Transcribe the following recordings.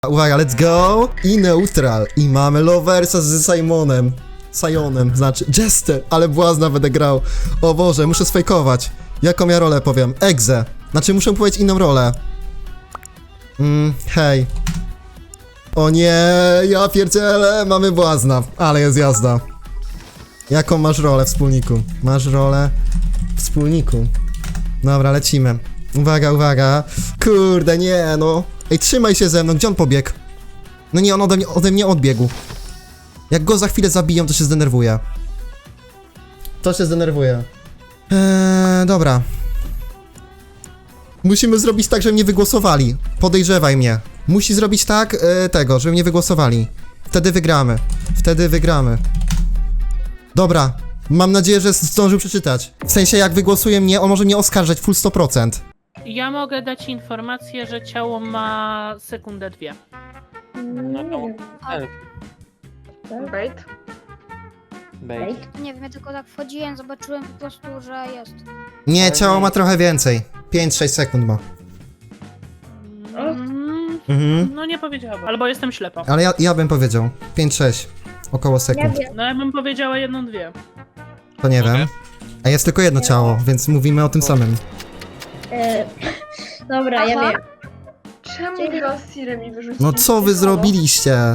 Uwaga, let's go! I neutral. I mamy Loversa z Sionem, znaczy Jester, ale błazna będę grał. O Boże, muszę sfejkować. Jaką ja rolę powiem? Egze. Znaczy muszę powiedzieć inną rolę. Hej. O nie, ja pierdzielę, mamy błazna, ale jest jazda. Jaką masz rolę, wspólniku? Masz rolę wspólniku. Dobra, lecimy. Uwaga, uwaga. Kurde, nie no. Ej, trzymaj się ze mną, gdzie on pobiegł? No nie, on ode mnie odbiegł. Jak go za chwilę zabiją, to się zdenerwuję. Dobra. Musimy zrobić tak, żeby mnie wygłosowali. Podejrzewaj mnie. Musi zrobić tak, żeby mnie wygłosowali. Wtedy wygramy. Dobra. Mam nadzieję, że zdążył przeczytać. W sensie, jak wygłosuje mnie, on może mnie oskarżać full 100%. Ja mogę dać informację, że ciało ma sekundę 2. No to Bait? bait. Nie wiem, ja tylko tak wchodziłem, zobaczyłem po prostu, że jest. Nie, ciało ma trochę więcej. 5-6 sekund ma. No nie powiedziałabym. Albo jestem ślepa. Ale ja bym powiedział. 5-6. Około sekund. No ja bym powiedziała 1-2. To nie wiem. A jest tylko jedno ciało, więc mówimy o tym samym. Dobra, ja wiem. Czemu was Sire mi wyrzucił? No co wy zrobiliście?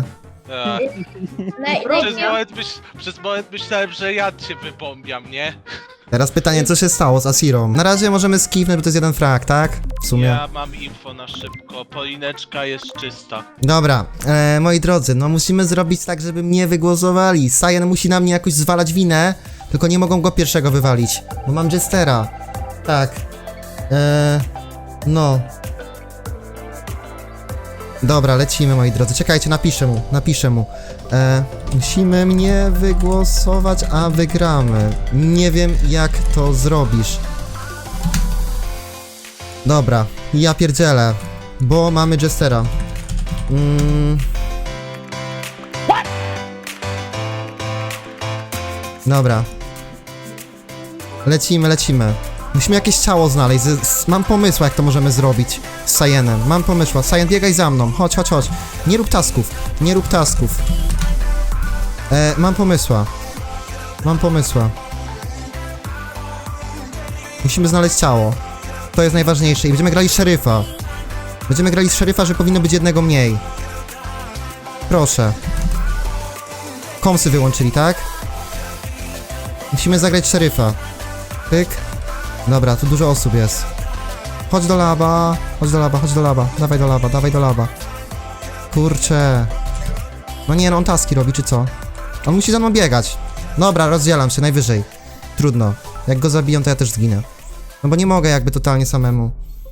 Przez moment myślałem, że ja cię wypombiam, nie? Teraz pytanie, co się stało z Asirą? Na razie możemy skipnąć, bo to jest jeden frag, tak? W sumie. Ja mam info na szybko. Polineczka jest czysta. Dobra, moi drodzy, no musimy zrobić tak, żeby mnie wygłosowali. Sion musi na mnie jakoś zwalać winę, tylko nie mogą go pierwszego wywalić, bo mam Jestera. Tak. No. Dobra, lecimy, moi drodzy. Czekajcie, napiszę mu. Musimy mnie wygłosować, a wygramy. Nie wiem, jak to zrobisz. Dobra, ja pierdzielę, bo mamy Jestera. Dobra. Lecimy. Musimy jakieś ciało znaleźć. Mam pomysł, jak to możemy zrobić z Sionem. Mam pomysł. Sion, biegaj za mną. Chodź. Nie rób tasków. Mam pomysła. Musimy znaleźć ciało. To jest najważniejsze. I będziemy grali szeryfa. Że powinno być jednego mniej. Proszę. Komsy wyłączyli, tak? Musimy zagrać szeryfa. Pyk. Dobra, tu dużo osób jest. Chodź do laba. Dawaj do laba. Kurczę. No nie, no on taski robi, czy co? On musi za mną biegać. Dobra, rozdzielam się, najwyżej. Trudno. Jak go zabiją, to ja też zginę. No bo nie mogę jakby totalnie samemu.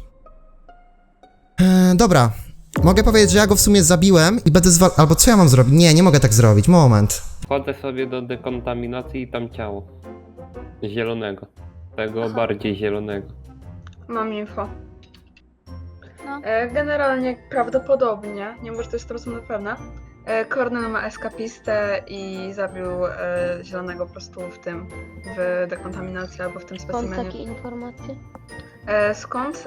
Dobra. Mogę powiedzieć, że ja go w sumie zabiłem i będę albo co ja mam zrobić? Nie mogę tak zrobić. Moment. Wchodzę sobie do dekontaminacji i tam ciało. Zielonego. Tego bardziej zielonego. Mam info. No. Generalnie prawdopodobnie, nie może to jest 100% pewne, Kornel ma eskapistę i zabił zielonego po prostu w dekontaminacji albo w tym Skąd specimenie. takie informacje? Skąd?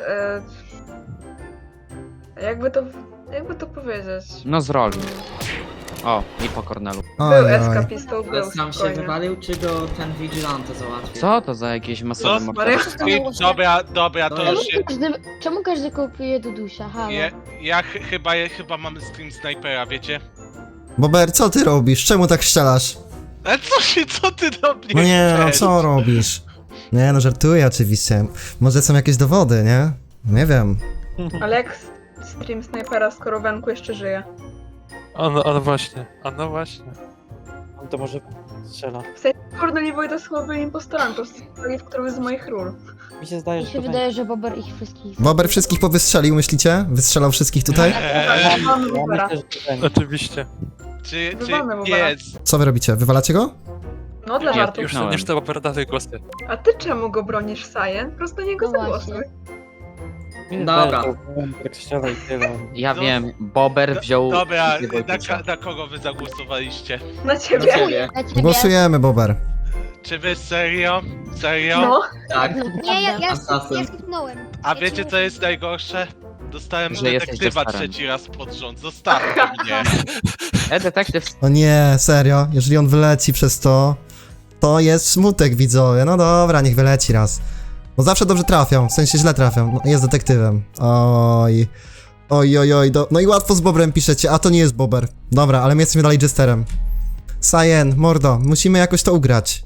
Jakby to powiedzieć? No z roli. O, i po Kornelu. Był Oj. eskapistą, był Ale sam się spokojnie. wywalił, czy go ten vigilante załatwił? Co to za jakieś masowe No, morderstwo? Dobra, to już się... Czemu każdy kopuje Dudusia? Halo? Ja chyba mamy stream snajpera, wiecie? Bober, co ty robisz? Czemu tak strzelasz? Ale co ty do mnie No nie, no chcesz? co robisz? Nie, no żartuję oczywiście. Może są jakieś dowody, nie? Nie wiem. Ale jak stream snajpera, skoro Wenku jeszcze żyje? A no właśnie. On to może strzela. W sensie Kornel i Wojda słaby impostorami, po prostu w którymś z moich ról. Mi się zdaje, Mi że się to wydaje, że Bober ich wszystkich... Bober wszystkich powystrzelił, myślicie? Wystrzelał wszystkich tutaj? Mamy Bobera. Oczywiście. Czy Wywalmy Bobera. piec? Co wy robicie? Wywalacie go? No dla żartu. Już to Bober dalej głosy. A ty czemu go bronisz, Sajen? Po prostu niego No zagłosuj. właśnie. Dobra. Tak strzela i tyle. Ja No. wiem, Bober wziął... Dobra, Wojtycia. na kogo wy zagłosowaliście? Na Do ciebie. ciebie. Dla ciebie. Głosujemy, Bober. Czy wy serio? No. Tak. Nie, ja Assassin. skipnąłem. A wiecie co jest najgorsze? Dostałem Że jesteś detektywa Jesterem. 3. raz pod rząd, zostawcie mnie. Detektyw. O nie, serio, jeżeli on wyleci przez to, to jest smutek, widzowie. No dobra, niech wyleci raz. Bo zawsze dobrze trafią, w sensie źle trafią. No, jest detektywem. Oj. Oj. No i łatwo z Bobrem piszecie, a to nie jest Bober. Dobra, ale my jesteśmy dalej Jesterem. Cyan, mordo, musimy jakoś to ugrać.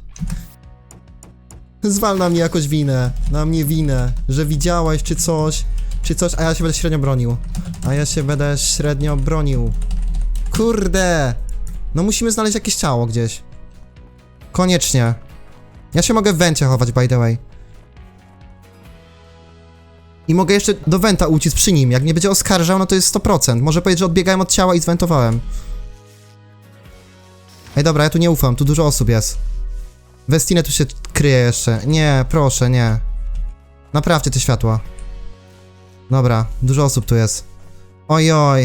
Zwal na mnie jakoś winę, na mnie winę, że widziałeś czy coś, a ja się będę średnio bronił. Kurde! No musimy znaleźć jakieś ciało gdzieś. Koniecznie. Ja się mogę w wencie chować, by the way. I mogę jeszcze do wenta uciec przy nim. Jak mnie będzie oskarżał, no to jest 100%. Może powiedzieć, że odbiegałem od ciała i zwentowałem. Ej, dobra, ja tu nie ufam, tu dużo osób jest. Westinę tu się kryje jeszcze. Nie, proszę, nie. Naprawcie te światła. Dobra, dużo osób tu jest. Ojoj.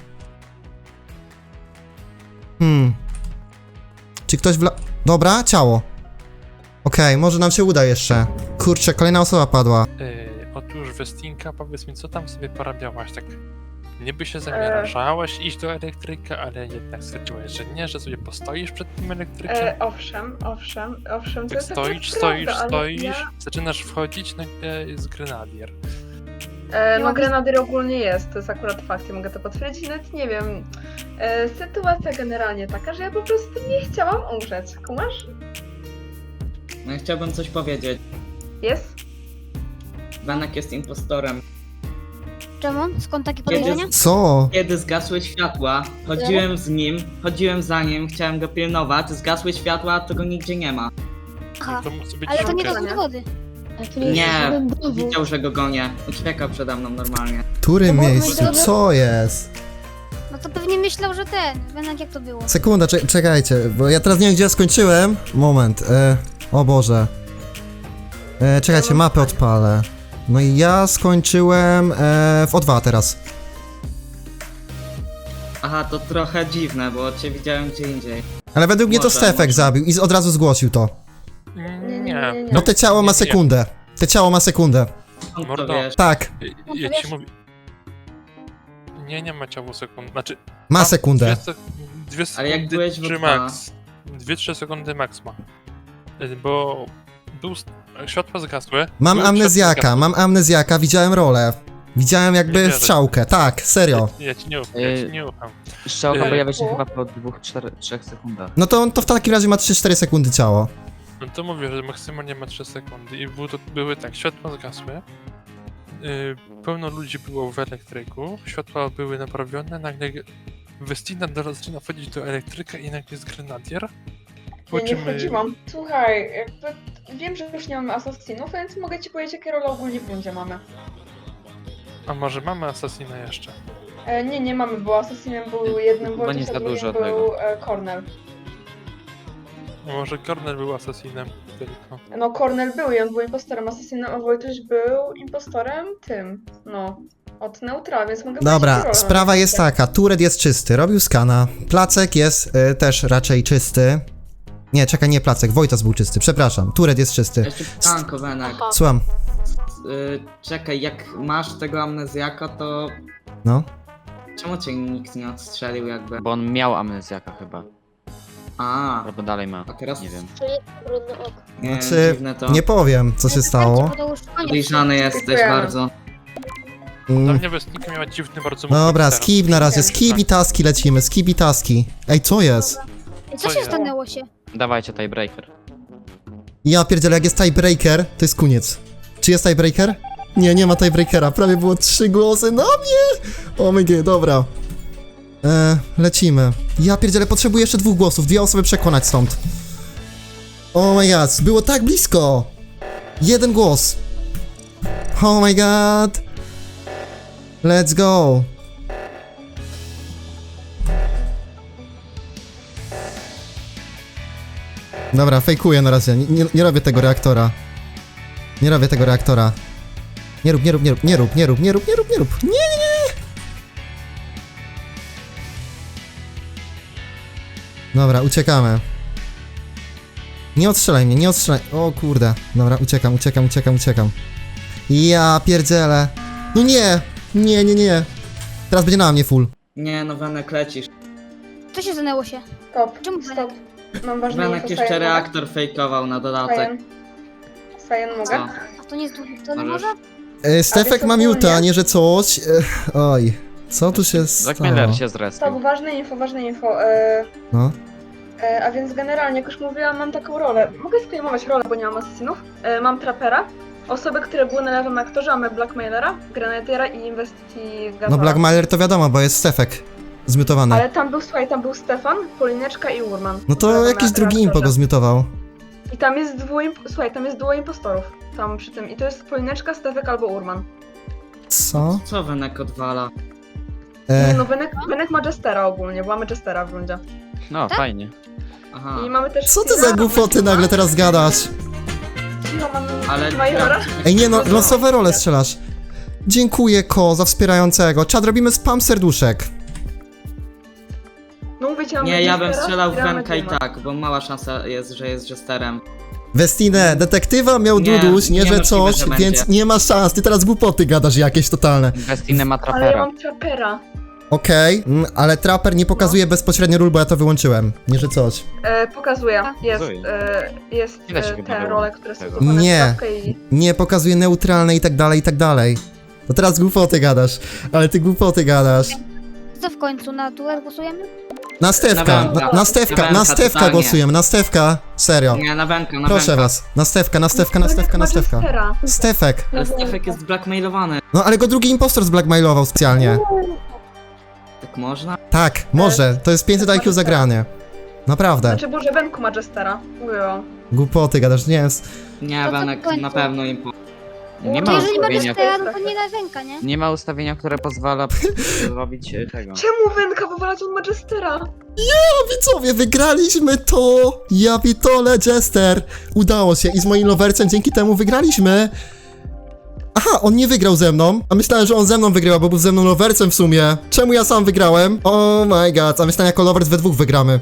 Czy ktoś Dobra, ciało. Okej, może nam się uda jeszcze. Kurczę, kolejna osoba padła. Otóż Westinka, powiedz mi, co tam sobie porabiałaś? Tak niby się zamierzałaś iść do elektryka, ale jednak stwierdziłaś, że nie, że sobie postoisz przed tym elektrykiem. Owszem, to Tak jest akurat stoisz, prawda, ale ja... zaczynasz wchodzić, nagle jest grenadier. No grenadier ogólnie jest, to jest akurat fakt, ja mogę to potwierdzić, nawet nie wiem. Sytuacja generalnie taka, że ja po prostu nie chciałam umrzeć, kumasz? No ja chciałbym coś powiedzieć. Jest? Benek jest impostorem. Czemu? Skąd takie podejrzenia? Co? Kiedy zgasły światła, chodziłem za nim, chciałem go pilnować, zgasły światła, to go nigdzie nie ma. Aha, To musi być ale to nie Joker. są dowody. A tu jest Nie, żaden dowód. widział, że go gonię. Uciekał przede mną normalnie. W którym No bo miejscu? my- Co jest? No to pewnie myślał, że Benek jak to było. Sekunda, czekajcie, bo ja teraz nie wiem, gdzie ja skończyłem. Moment, o Boże. Czekajcie, mapę odpalę. No i ja skończyłem w O2 teraz. Aha, to trochę dziwne, bo cię widziałem gdzie indziej. Ale według mnie to Może, Stefek może. zabił i od razu zgłosił to. Nie. No te ciało ma Nie. sekundę. Te ciało ma sekundę. Skąd Mordo. to wiesz? Tak, Ja ci mówię. Nie ma ciało sekund. Znaczy, ma tam sekundę. Dwie Ale jak sekundy byłeś w czy O2? max. 2-3 sekundy max ma. Bo światła zgasły. Mam były amnezjaka, widziałem rolę. Widziałem jakby Nie wierzę. strzałkę, tak, serio. Ja ci nie ufam, Strzałka Yy, pojawia się chyba po 2-3 sekundach. No to w takim razie ma 3-4 sekundy ciało. No to mówię, że maksymalnie ma 3 sekundy i były tak, światła zgasły. Pełno ludzi było w elektryku, światła były naprawione, nagle Westina zaczyna wchodzić do elektryka i nagle jest grenadier. Po Ja nie czym, wchodziłam. Słuchaj, jakby wiem, że już nie mamy asasinów, więc mogę ci powiedzieć, jakie role ogólnie w rundzie mamy. A może mamy Assassina jeszcze? Nie mamy, bo asasinem był jednym Chyba nie Wojciech, za a drugim dużo był tego. Cornel. Może Cornel był Assassinem tylko. No Cornel był i on był impostorem asasinem, a Wojtuś był impostorem tym, no, od neutra, więc mogę powiedzieć, jakie Dobra, role sprawa mamy. jest taka, Turet jest czysty, robił skana, Placek jest też raczej czysty. Nie, czekaj, nie Placek, Wojtas był czysty, przepraszam, Turet jest czysty. Jeszcze pytanko, Benek. Słucham, Czekaj, jak masz tego amnezjaka, to no. czemu cię nikt nie odstrzelił jakby? Bo on miał amnezjaka chyba. A, Albo dalej ma. a teraz Nie wiem. Brudny ok. nie, Znaczy, dziwne to. nie powiem, co się stało. Podejrzany jesteś Dziękujemy. bardzo. Dla Mm, mnie Westinka miała dziwny bardzo Dobra, movement skip na razie, skip i taski lecimy, skip i taski. Ej, co jest? Co Co się jest? stanęło się? Dawajcie tiebreaker. Ja pierdzielę, jak jest tiebreaker, to jest koniec. Czy jest tiebreaker? Nie, nie ma tiebreakera, prawie było 3 głosy na mnie! O my god, dobra. Lecimy. Ja pierdzielę, potrzebuję jeszcze 2 głosów, 2 osoby przekonać stąd. Oh my god, było tak blisko! 1 głos. Oh my god. Let's go. Dobra, fejkuję na razie, nie robię tego reaktora. Nie robię tego reaktora. Nie rób. Nie. Dobra, uciekamy. Nie odstrzelaj mnie, nie odstrzelaj. O kurde. Dobra, uciekam. Ja pierdzielę. No nie! Nie, nie, nie. Teraz będzie na mnie full. Nie, no Wenek lecisz. Co się zanęło się? Stop, Czemu stop. Mam ważne Wenek info, jeszcze Sajen, reaktor fejkował na dodatek. Sajen, mogę? Co? A to nie jest to nie Możesz. może? Stefek ma ogólnie- miuta, nie że coś. Oj, co tu się stało? Blackmailer się zrespił. Stop, ważne info. No. A więc generalnie, jak już mówiłam, mam taką rolę. Mogę spejmować rolę, bo nie mam asesinów. Mam trapera, osoby, które były na lewym aktorze, mamy blackmailera, grenadiera i investigatora. No Blackmailer to wiadomo, bo jest Stefek zmiutowany. Ale tam był, słuchaj, tam był Stefan, Polineczka i Urman. No to jakiś drugi impo go zmiutował. I tam jest słuchaj, tam jest duo impostorów. Tam przy tym. I to jest Polineczka, Stefek albo Urman. Co? Co Wenek odwala? Nie, no Wenek ma Jestera ogólnie, bo mamy Jestera w rundzie. No, fajnie. Aha. I mamy też... Co ty za głupoty nagle teraz gadasz? Cicho, mamy Ale- Majora. Ej, nie no, losowe role strzelasz. Dziękuję, Ko, za wspierającego. Czad, robimy spam serduszek. No mówicie, mamy Nie, ja bym Jestera, strzelał w gramy Wenka i Duma. tak, bo mała szansa jest, że jest Jesterem. Westinę, detektywa miał Nie, Duduś, nie że niemożliwe, coś, że więc będzie. nie ma szans. Ty teraz głupoty gadasz jakieś totalne. Westinę ma Ale ja trapera. mam trapera. Okej, ale Trapper nie pokazuje bezpośrednio ról, bo ja to wyłączyłem. Nie że coś. Pokazuję. Jest, Pokazuje. jest Ile się chyba te było role, które są tego? schowane w Nie. szafkę i... Nie pokazuje neutralne i tak dalej, i tak dalej. To teraz głupoty gadasz. Ale ty głupoty gadasz. Co w końcu, na duet głosujemy? Na Stefka, Wenka. na Stefka, Na na Wenka, Stefka totalnie. głosujemy, na Stefka. Serio. Nie, na Wenka, na Proszę Wenka. was. Na Stefka, na Stefka, na Wenek Stefka, na ma Stefka. Jestera. Stefek. Ale Stefek jest blackmailowany. No ale go drugi impostor zblackmailował specjalnie. Tak można? Tak, może. To jest 500 IQ zagranie. Naprawdę. Znaczy, bo że Wenku ma Jestera. Mówiłam. Głupoty gadasz, nie jest. Nie, To co Wenek w końcu? na pewno im po... Nie To ma jeżeli ma ustawienia, Jestera, no to nie da ręka, nie? nie ma ustawienia, które pozwala zrobić tego. Czemu Wenka wywalać, on ma Jestera? Widzowie, wygraliśmy to! Ja pitole, Jester! Udało się i z moim lovercem dzięki temu wygraliśmy. Aha, on nie wygrał ze mną. A myślałem, że on ze mną wygrywa, bo był ze mną lovercem w sumie. Czemu ja sam wygrałem? Oh my god, a myślałem, jako lovers we dwóch wygramy.